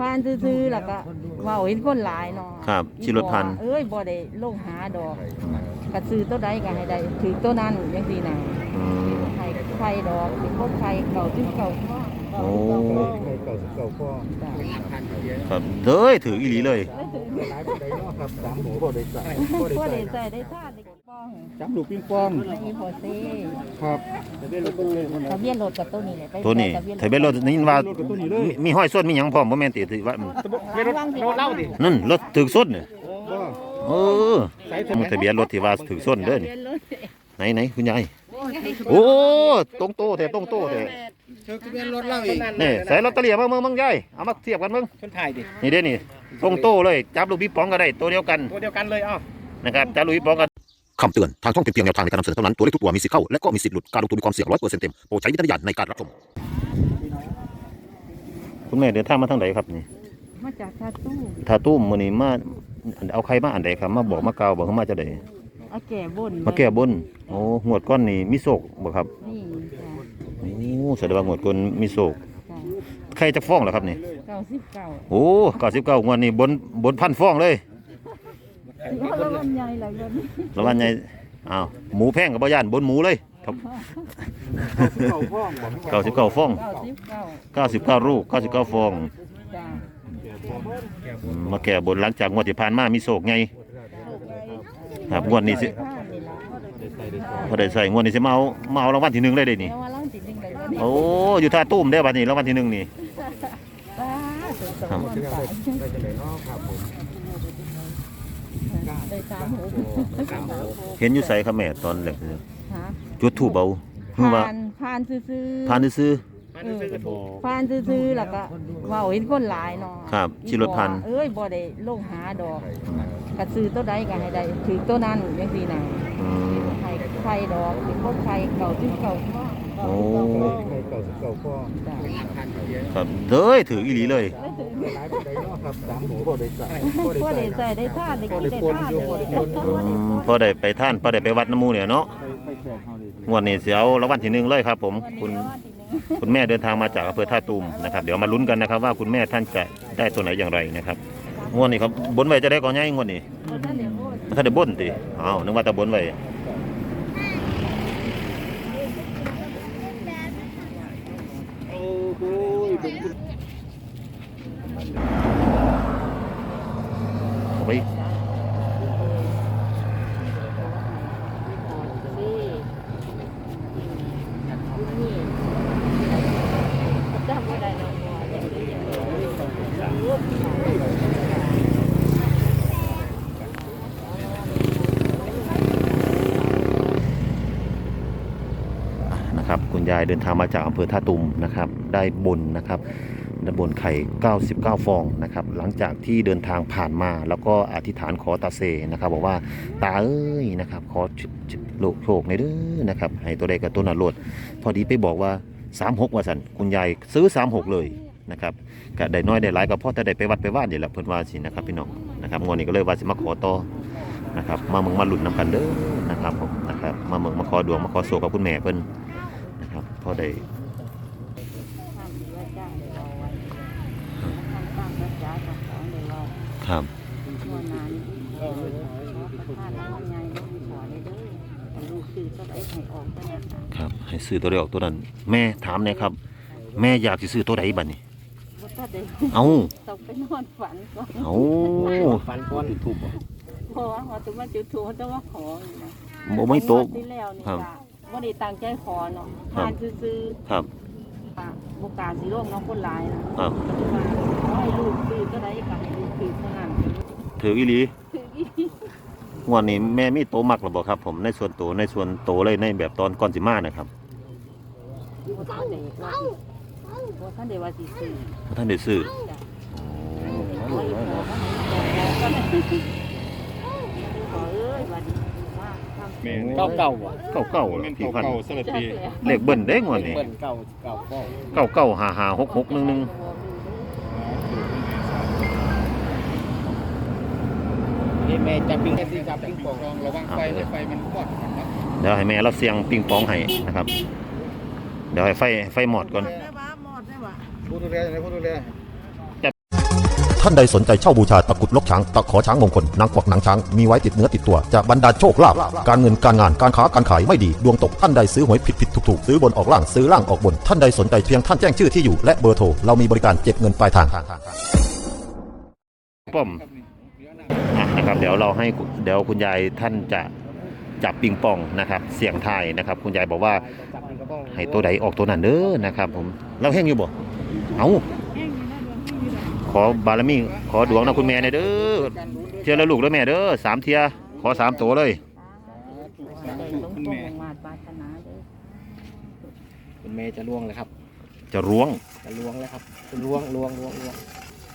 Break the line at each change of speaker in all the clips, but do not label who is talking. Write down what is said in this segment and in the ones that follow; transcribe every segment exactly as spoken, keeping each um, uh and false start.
ผ่านซื่อๆแล้วก็เว้าเห็นคนหลายเนาะ
ครับชิรถพัน
เอ้ยบ่ได้ลงหาดอกก็ซื้อตัวใดก็ให้ได้ถือตัวนั้นจังซี่น่ะให้ไฟดอกสิพบไฟเก่าที่เก่าพ่อ
โอ้
เก่าสิบเก่าพ่อ
ครับเด้ยถืออีหลีเลย
หลายคนใดเนาะครับสามหมูพอได้ใส่
พอได้ใส่ได้ทานได้ป้อง
จับลูกปิงปอง
อีพอเซ่
ครับทะเบียนรถ
ทะเบียนรถกับตัวนี้แหละ
ตัวนี้ทะเบียนรถนี่ว่ามีห้อยส้นมีหยังพร้อมบ่แม่นติว่า
ทะเบียนรถรถเล่าดิ
นั่นรถถึกส้นเนี่ยเออทะเบียนรถที่ว่าถึกส้นเด้อนี่ไหนไหนคุณยายโอ้ตรงโตแต่ตรงโตแต่
ทะเบียนรถเล่าอีก
นี่ใส่ลอตเตอรี่มาเมืองเมืองยายเอามาเทียบกันเมือง
คนถ่ายดิ
นี่เด้นี่ตรงโตเลยจับลูกพี่ป๋องก็ได้ตัวเดียวกัน
ตัวเดียวกันเลยอ้อ
นะครับจับลูกพี่ป๋องกันคำเตือนทางช่องเป็นเพียงแนวทางในการนำเสนอเท่านั้นตัวเลขทุกตัวมีสิทธิ์เข้าและก็มีสิทธิ์หลุดการลงทุนมีความเสี่ยงร้อยเปอร์เซ็นต์เต็มโปรดใช้วิจารณญาณในการรับชมคุณแม่เดินทางมาทางไหนครับนี่
มาจากท่าตู้
ท่าตู้มื้อนี้มาเอาใครมาอันใดครับมาบอกมากล่าวบอกเขามาจะได้
มาแก้บน
มาแก้บนโอ้งวดก้อนนี่มีโศกบ่ครับ
นี่จ้ะ
โอ้แสดงว่างวดก้อนมีโศกใครจะฟ้องเหรอครับนี่
เก้าสิบเก้า
โอ้เก้าสิบเก้างวดนี้บนบนพันฟ้องเลย
ละวันใหญ่ละวัน
ละวันใหญ่อ้าวหมูแพงกับบ่ย่านบนหมูเลยครับเก้าสิบเก้าฟองเก้าสิบเก้าลูกเก้าสิบเก้าฟองมาแก้บนหลังจากงวดที่ผ่านมามีโศกไงครับงวดนี้สิพอได้ใส่งวดนี้สิมาเอามาเอารางวัลที่หนึ่งเลยได้นี่โอ้อยู่ท่าตุ้มได้บัดนี้รางวัลที่หนึ่งนี่เห็นอยู่ใส่ขแม่ตอนแรกจุดถูบเบา
ผ่านผ่านซื่อ
ผ่านซื่อ
ผ่านซื่อแล้วก็เว้าเห็นคนหลายเนาะ
ครับชิรถพัน
เอ้ยบ่ได้ลงหาดอกก็ซื้อตัวใดก็ให้ได้ถือตัวนั้นจังซี่น่ะให้ไฟดอกสิพบไฟเก่าที่เก่าพ่อ
โอ้
เก่าสิบเก่าพ่อ
ครับเด้ยถืออีหลีเลย
หลายคนใดเนาะครับสามหมูพอได้ใส่
พอได้ใส่ได้ทานได้กินได้ทาน
พอได้ไปท่านพอได้ไปวัดน้ำมูเนี่ยเนาะงวดนี้เสียวรางวัลที่หนึ่งเลยครับผมคุณคุณแม่เดินทางมาจากอำเภอท่าตูมนะครับเดี๋ยวมาลุ้นกันนะครับว่าคุณแม่ท่านจะได้ตัวไหนอย่างไรนะครับงวดนี้ครับบนไว้จะได้ก่อนไงงวดนี้ถ้าได้บนติอ้าวนึกว่าแต่บนไว้ไปนะครับคุณยายเดินทางมาจากอำเภอท่าตูมนะครับได้บนนะครับได้บนไข่เก้าสิบเก้าฟองนะครับหลังจากที่เดินทางผ่านมาแล้วก็อธิษฐานขอตาเซนะครับบอกว่าตาเอ้ยนะครับขอโลกโชคในเด้อนะครับให้ตัวใดกับตัวนั้นโลดพอดีไปบอกว่าสามหกว่าสันคุณยายซื้อสามหกเลยนะครับก็ได้น้อยได้หลายก็พอแต่ได้ไปวัดไปว่านเดี๋ยวละเพิ่นว่าสินะครับพี่น้องนะครับงวดนี้ก็เลยว่าสิมาขอต่อนะครับมาเมืองมาหลุดน้ำกันเด้อนะครับผมนะครับมาเมืองมาขอดวงมาขอโศกกับคุณแม่เพิ่นนะครับพอได้ครับครับให้ซื้อตัวเดียวตัวนั้นแม่ถามเนี่ยครับแม่อยากจะซื้อตัวใดบ้านี่เอา
ต้องไปนอนฝันก่อน
เอา
ฝันก่อนจุดถูกบ่
เพราะว่าพอถึงมาจุดถูกเขาจะว่าขอนะ
โมไม่โต
ที่แล้วนี่ค่ะว่าได้ตั้งใจขอเนาะทานซื้อ
ครับ
บุกการสีร่วงน้องคนหลายนะครับให้ลูกซื้อก็ได้กับให้ลูกซื้อเท่านั้น
ถืออีหลีงวดนี้แม่มีโตมักหรือเปล่าครับผมในส่วนโตในส่วนโตเลยในแบบตอนก่อนสิมานะครับ
ท่านเดท่านเดว่าสิซื้อ
ท่านเดซื้อ
เก้าเก้าว่ะ
เก้าเก้าพี่พันเลขเบิ้ลเด้งวดนี้
เก้าเก้า
เก้าเก้าห้าห้าหกหกหนึ่งหนึ่ง
นี่แม่จับปิงจับปิงปองระวังไฟไฟมันมอด
เดี๋ยวให้แม่เราเสียงปิงปองให้นะครับเดี๋ยวให้ไฟไฟหมอดก่อน
พูดดูแลพูดดูแล
ท่านใดสนใจเช่าบูชาตะกรุดลกช้างตะขอช้างมงคลนางกวักหนังช้างมีไว้ติดเนื้อติดตัวจะบรรดาลโชคลาภการเงินการงานการค้าการขายไม่ดีดวงตกท่านใดซื้อหวยผิดผิดถูกถูกซื้อบนออกล่างซื้อล่างออกบนท่านใดสนใจเพียงท่านแจ้งชื่อที่อยู่และเบอร์โทรเรามีบริการเก็บเงินปลายทาง
ป้อมอ่ะนะครับเดี๋ยวเราให้เดี๋ยวคุณยายท่านจะจับปิงปองนะครับเสี่ยงทายนะครับคุณยายบอกว่าให้ตัวใดออกตัวนั้นเด้อนะครับผมเราแห้งอยู่บ่เอาขอบารมีขอดวงนะคุณแม่เด้อเทียละลูกแล้วแม่เด้อสามเทียขอสามตัวเลย
คุณแม่จะล่วงเลยครับ
จะล้วง
จะล่วงแล้วครับล่วงล่วงล่วงล่วง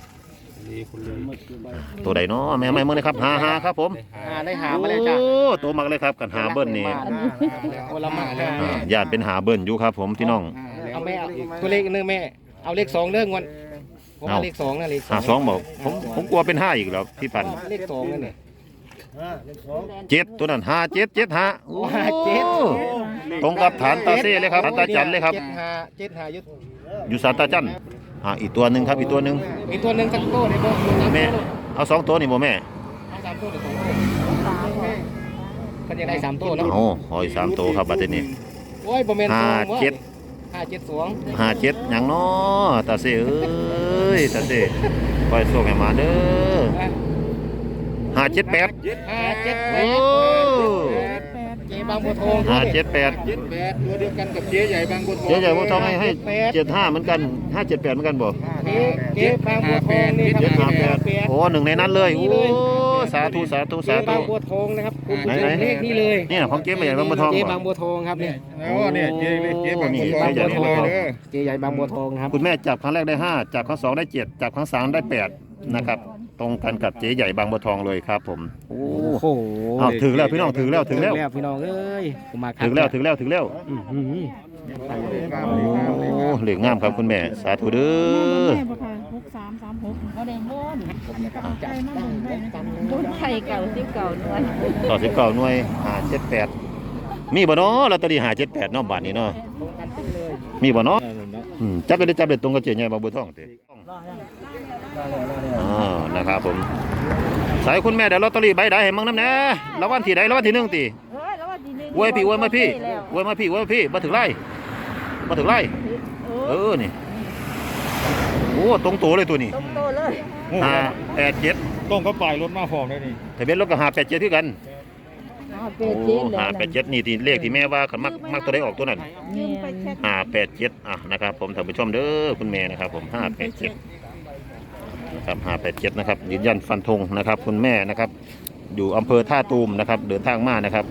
ตัวใดเนาะแม่ไม่เมื่อนะครับหาหาครับผม
หาได้หามาเลยจ้ะ
โอ้ตัวมักเลยครับกันหาเบิ้ลนี่ญาติเป็นหาเบิ้ลอยู่ครับผมพี่น้อง
เอาแม่ตัวเลขนึงแม่เอาเลขสองเรื่องวันผมเอาเลขสองนะเลขสอง
หาสองบอกผมผมกลัวเป็นห้าอีกแล้วพี่ปัน
เลขสองนั่นเนี่ย
เจ็ดตัวนั้นห้าเจ็ดเจ็ดห้าโอ้เจ็ดตรงกับฐานตาเซ่เลยครับฐานตาจันเลยครับ
เจ็ดห้าเจ็ดห้ายุด
อยู่สานตาจันอ่าอีกตัวหนึ่งครับอีกตัวหนึ่ง
อีกตัวหนึ่งสักตัวเลยบ่
แม่เอาสองตัวนี่บ่แม่
เอาสามตัวหรือสองตัวก็ยังได้สามตัวเนาะ
โอ้หอยสามตัวครับบัดนี้
โอ้ยบ่แม่น
ห้าเจ็ด
ห้าเจ็ดสอง
ห้าเจ็ดอย่างน้อตาเซ่เอ้ยตาเซ่คอยส่งให้มาเด้อห้าเจ็ดแปด
ห้าเจ็ดแปดเจ๊บางบัวทอง
ห้าเจ็ดแปด
เจ็ดแปดตัวเดียวกันกับเจ๊ใหญ่บางบัวทอง
เจ๊ใหญ่บัวทองให้ให้เจ็ดห้าเหมือนกันห้าเจ็ดแปดเหมือนกันบ่
เจ๊เจ๊บางบัวทองนี่ครับห้าแปด
โอ้หนึ่งในนั้นเลยโอ้สาธุสาธุสาธุ
บางบัวทองนะครับไหนไหนเลขนี้เลย
นี่นะของเจ๊ใหญ่บางบัวทอง
เจ๊บางบัวทองครับเนี่ย
โอ้เนี่ยเจ๊เจ๊บางบัวทอง
เจ๊ใหญ่บางบัวทองครับ
คุณแม่จับครั้งแรกได้ห้าจับครั้งสองได้เจ็ดจับครั้งสามได้แปดนะครับตรงกันกับเจ๊ใหญ่บางบัวทองเลยครับผมโอ้โหเอาถึงแล้วพี่น้องถึงแล้วถึงแล้ว
พี่น้องเอ้ยผมมา
ถึงแล้วถึงแล้วถึงแล้วโอ้เหลืองามครับคุณแม่สาธุเด้อ
หกสามสามหกเขาได้ม้วนม้วนไข่เก่าสิบเก่าหน่วย
ต่อสิบเก่าหน่วยห้าเจ็ดแปดมีบ่เนาะลอตเตอรี่ห้าเจ็ดแปดเนาะบาทนี้เนาะมีบ่เนาะจับไปได้จับได้ตรงกับเจ๊ใหญ่บางบัวทองเด้อ๋อนะครับผมสายคุณแม่เดี๋ยวลอตเตอรี่ใบใดให้มั่งน้ำแน่รางวัลที่ใดรางวัลที่หนึ่งตีอวยพี่อวยมาพี่อวยมาพี่อวยมาพี่มาถึงไร่มาถึงไร่เออนี่โอ้ตรงตัวเลยตัวนี้
ตรงตัวเลย
ห้าแปดเจ็ด
ต้องเขาปล่อยรถมาฟองได้นี่
ทะเบียนรถก็ห้าแปดเจ็ดที่กันห้าแปดเจ็ดนี่ที่เลขที่แม่ว่าขันมักมักตัวได้ออกตัวนั้นห้าแปดเจ็ดอ่ะนะครับผมท่านผู้ชมเด้อคุณแม่นะครับผมห้าแปดเจ็ดครับห้าแปดเจ็ดนะครับยืนยันฟันธงนะครับคุณแม่นะครับอยู่อำเภอท่าตูมนะครับเดินทางมานะครับ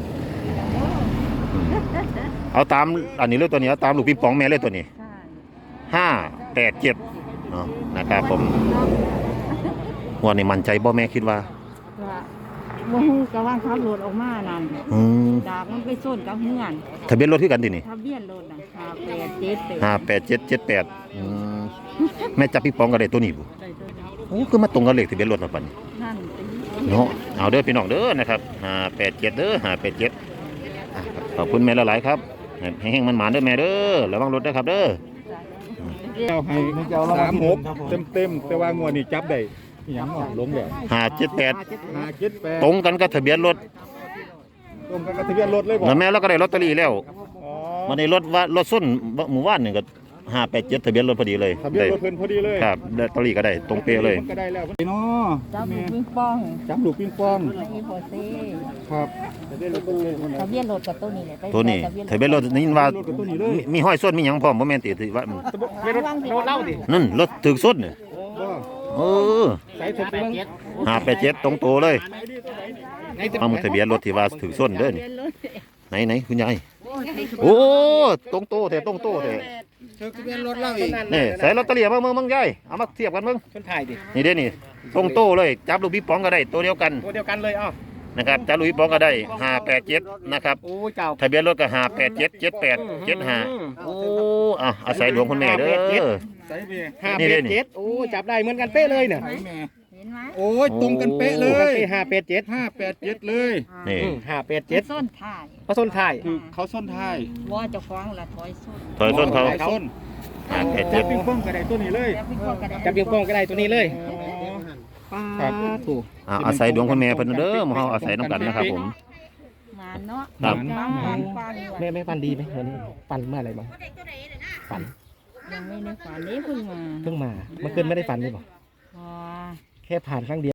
เอาตามอันนี้เลยตัวนี้เอาตามลูกปิงปองแม่เลยตัวนี้ห้าแปดเจ็ดนะครับผมหัวนี่มั่นใจบ่แม่คิดว่า
ว่าฮู้กะว่าขับรถออกมานั่นดาบมันไปส้นกับเฮือน
ทะเบียนรถที่กันดินี่
ทะเบียนรถน่ะห้าแปดเจ็ด
ห้าแปดเจ็ดเจ็ดแปดแม่จับปิงปองกันได้ตัวนี้บ่โอ้คือมาตรงกับเลขทะเบียนรถมาปั่นเนาะเอาเด้อพี่น้องเด้อนะครับห้าแปดเจ็ดเด้อห้าแปดเจ็ดขอบคุณแม่หลายๆครับให้แห้งมันหมานเด้อแม่เด้อระวังรถด้วยครับเด้อ
เจ้าให้สามหกเต็มเต็มแต่ว่างวดนี่จับได้ยังหลงเลย
ห้าเจ็ดแปด
ห้าเจ็ดแปด
ตรงกันกับทะเบียนรถ
ตรงกันกับทะเบียนรถเลย
บอกแม่เราก็ได้ลอตเตอรี่แล้ววันนี้รถว่ารถส้นหมู่บ้านหนึ่งก็ห้าแปดเจ็ดทะเบียนรถพอดีเลย
ทะเบียนรถเพิ่นพอดีเลย
ครับลอตเตอรี่ก็ได้ตรงเป๊ะเลย
ก็ได้แล้วเนาะ
จับลูกปิงปอง
จับลูกปิงปองครับ
ทะเบียนรถกับตัวนี้แหละ
ตัวนี้ทะเบียนรถนี่ว่ามีห้อยส้นมีหยังพร้อมบ่แม่นติถือว่า
รถเล่าดิ
นั่นรถถึกส้นเนี่ยเออห้าแปดเจ็ดตรงตัวเลยเอาทะเบียนรถที่ว่าถึกส้นเด้อนี่ไหนไหนคุณยายโอ้ตรงโตแต่ตรงโตแต่
ทะเบียนรถเล่าอีก
นี่ใส่ลอตเตอรี่มาเมืองเมืองยายเอามาเทียบกันเมือง
ชนถ่ายดิ
นี่เด้นี่ตรงโตเลยจับลูกปิงปองก็ได้ตัวเดียวกัน
ตัวเดียวกันเลยอ้าว
นะครับจับลูกปิงปองก็ได้ห้าแปดเจ็ดนะครับ
โอ้เจ้า
ทะเบียนรถก็ห้าแปดเจ็ดเจ็ดแปดเจ็ดห้าโอ้อ่ะอาศัยหลวงคุณแม่เด้อ
ห้าแปดเจ็ดโอ้จับได้เหมือนกันเป๊ะเลยเนี่ยโอ้ยตรงกันเป๊ะเลยห้าแปดเจ็ดห้าแปดเจ็ดเลย
นี่
ห้าแปดเจ็ด
ส้นถ่าย
เขาส้นถ่ายคือเขาส้นถ่าย
ว่าจะฟ้องละถอยส้น
ถอยส้นเขา
ส้นจับปิงปองก็ได้ตัวนี้เลยจับปิงปองก็ได้ตัวนี้เลยครับถูก
อ่าอาศัยดวงคุณแม่เพิ่นเด้อหมู่เฮาอาศัยน้ำกันนะครับผม
มาเนาะ
ครับ
ฟันฟันฟัน
แม่แม่ฟันดีไหมวันนี้ฟันเมื่อไหร่บ้างฟัน
ยังไม่ได้ฝันนี้เพิ่งมา
เพิ่งมาเมื่อคืนไม่ได้ฟันเลยบอก
อ๋อ
แค่ผ่านครั้งเดียว